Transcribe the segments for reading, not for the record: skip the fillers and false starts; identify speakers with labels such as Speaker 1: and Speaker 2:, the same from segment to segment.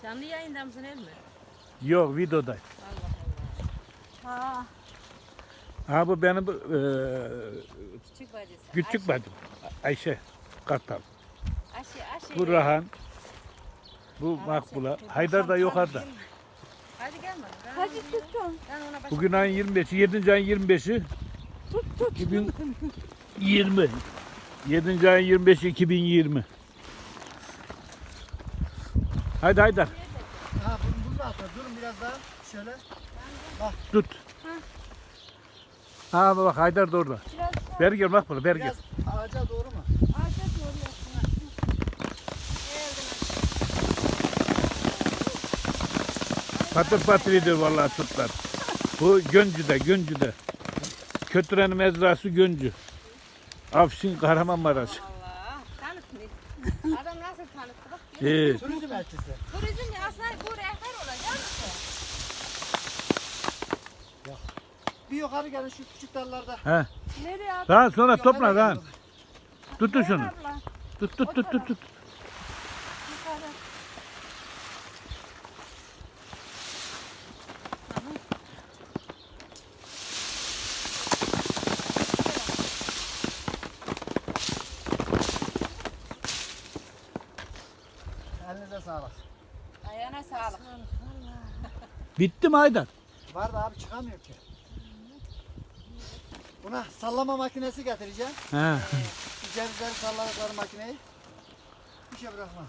Speaker 1: Canlı yayında mısın Emmi?
Speaker 2: Yok, videoda.
Speaker 1: Allah Allah.
Speaker 2: Ha bu benim
Speaker 1: Küçük bacısı.
Speaker 2: küçük bacım. Ayşe Kartal.
Speaker 1: Ayşe.
Speaker 2: Bu Rahan. Bu Makbula. Haydar da yukarıda.
Speaker 1: Hadi gel bana.
Speaker 3: Hadi tutun.
Speaker 1: Ben ona başlayayım.
Speaker 2: Bugün ayın 25'i, 7. ayın 25'i.
Speaker 3: Tut.
Speaker 2: 2020. 7. ayın 25'i 2020. Hadi Haydar.
Speaker 4: Ha bunu da atma. Durun biraz daha. Şöyle.
Speaker 2: Tut. Ha bak Haydar da orada.
Speaker 3: Biraz
Speaker 2: Ver gel Makbula, ver gel.
Speaker 4: Biraz ağaca doğru mu?
Speaker 3: ağaca doğru yapın.
Speaker 2: Patır patır ediyor vallahi tutlar. Bu Göncü'de. Kötürenin mezrası Göncü. Afşin Kahramanmaraş.
Speaker 1: Allah. Tanıtın. Adam nasıl tanıttı bak.
Speaker 4: Turizm elçisi.
Speaker 1: Turizm ya aslında bu rehber olacak mısın?
Speaker 4: Bir yukarı gelin şu küçük dallarda.
Speaker 2: He.
Speaker 3: Nereye at?
Speaker 2: Daha sonra
Speaker 4: Yukarı
Speaker 2: topla
Speaker 4: gelin.
Speaker 2: lan. Tutun şunu.
Speaker 3: Abla.
Speaker 2: Tut.
Speaker 3: Yukarı.
Speaker 4: Elinize sağlık.
Speaker 1: Ayağına sağlık.
Speaker 2: Bitti mi Haydar?
Speaker 4: Var da abi çıkamıyor ki. Buna sallama makinesi getireceğim.
Speaker 2: He.
Speaker 4: Cevizleri salladıkları makineyi. Bir şey bırakmaz.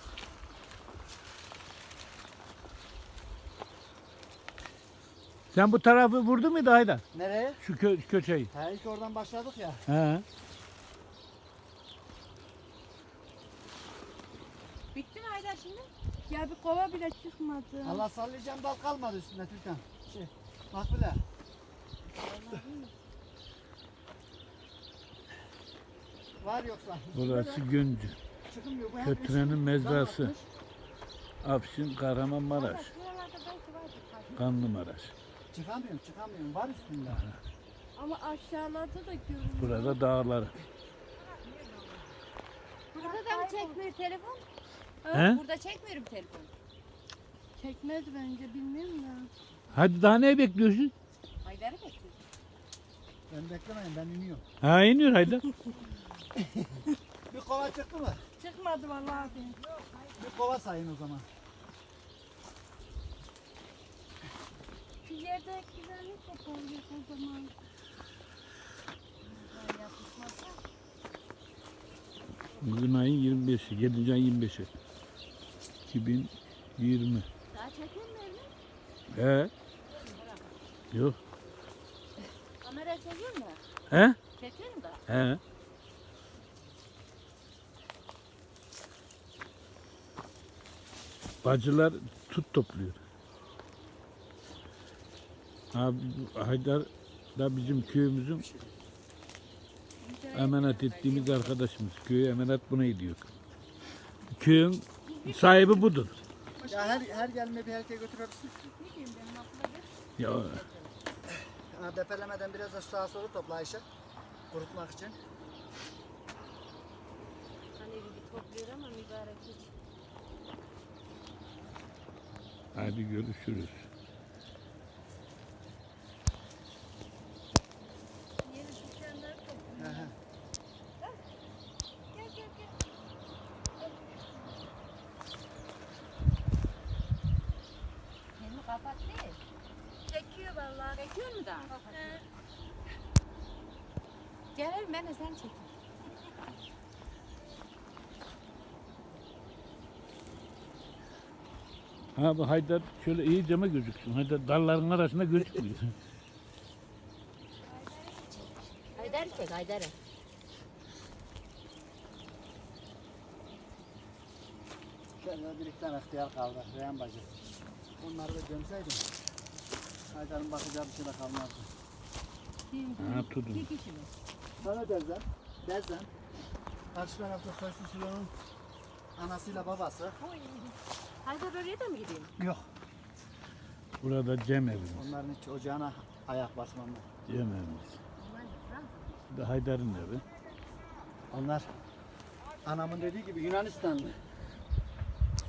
Speaker 2: Sen bu tarafı vurdun muydu Haydar?
Speaker 4: Nereye?
Speaker 2: Şu köşeyi.
Speaker 4: Ha ilk oradan başladık ya.
Speaker 2: He.
Speaker 1: Bitti mi Haydar şimdi?
Speaker 3: Ya bir kova bile çıkmadı.
Speaker 4: Allah sallayacağım dal kalmadı üstünde Türkan. Makbule. Var yoksa.
Speaker 2: Burası Göncü.
Speaker 4: Çıkmıyor. Bu hem
Speaker 2: Kötürenin
Speaker 4: eşit,
Speaker 2: mezrası.
Speaker 4: dal atmış.
Speaker 2: Afşin Kahramanmaraş.
Speaker 1: Buralarda belki vardır.
Speaker 2: Kanlımaraş.
Speaker 4: Çıkamıyorum. Var üstünde.
Speaker 3: Ama aşağılarda da görünüyor.
Speaker 2: Burada dağları.
Speaker 1: Burada da mı çekmiyor telefon?
Speaker 2: He?
Speaker 1: Burada çekmiyorum telefon.
Speaker 3: Çekmez bence bilmiyorum ya.
Speaker 2: Hadi daha ne bekliyorsun?
Speaker 1: Haydar'ı bekliyorum.
Speaker 4: Ben beklemeyin ben iniyorum.
Speaker 2: Ha iniyor Haydar.
Speaker 4: Bir kova çıktı mı?
Speaker 3: Çıkmadı vallahi abi.
Speaker 4: Bir kova sayın o zaman.
Speaker 3: Şu yerde güzellik yapalım o zaman.
Speaker 2: Bugün ayın 25'i, 7. ayın 25'i. 2020.
Speaker 1: Daha çekiyor mu elini?
Speaker 2: He? Yok.
Speaker 1: Kamera çekiyor mu?
Speaker 2: He?
Speaker 1: Çekiyorum da.
Speaker 2: He. Bacılar tut topluyor. Abi Haydar da bizim köyümüzün emanet ettiğimiz arkadaşımız. Köye emanet buna ediyor. Köyün sahibi budur.
Speaker 4: Ya her gelme bir erkeğe götürebilirsin.
Speaker 2: Ya
Speaker 4: Ha, depelemeden biraz da sağa sola topla Ayşe. Kurutmak için.
Speaker 1: Hani bir topluyor ama mübarek hiç.
Speaker 2: hadi görüşürüz.
Speaker 3: Yeni dükkanlar
Speaker 4: He he.
Speaker 3: gel.
Speaker 1: Elini kapat değil.
Speaker 3: Çekiyor vallahi.
Speaker 1: Çekiyor mu daha?
Speaker 3: He.
Speaker 1: Gel ben de sen çek.
Speaker 2: Ha bu Haydar şöyle iyice mi gözüksün? Haydar dalların arasında gözükmüyor.
Speaker 1: Haydar'ı çek Haydar'ı.
Speaker 4: Şöyle bir iki tane ihtiyar kaldı. Reyhan bacı. Onları da gömseydim. Haydar'ın bakacağı bir şey de kalmazdı.
Speaker 2: Ha tutun.
Speaker 1: İki kişi mi?
Speaker 4: Sana Dezen. Karşı tarafta Soysuz Süleyman'ın anasıyla babası.
Speaker 1: Haydar oraya da mı gideyim?
Speaker 4: Yok.
Speaker 2: Burada Cem evimiz.
Speaker 4: Onların hiç ocağına ayak basmamlar.
Speaker 2: Cem evimiz. Bu da Haydar'ın evi.
Speaker 4: Onlar anamın dediği gibi Yunanistanlı.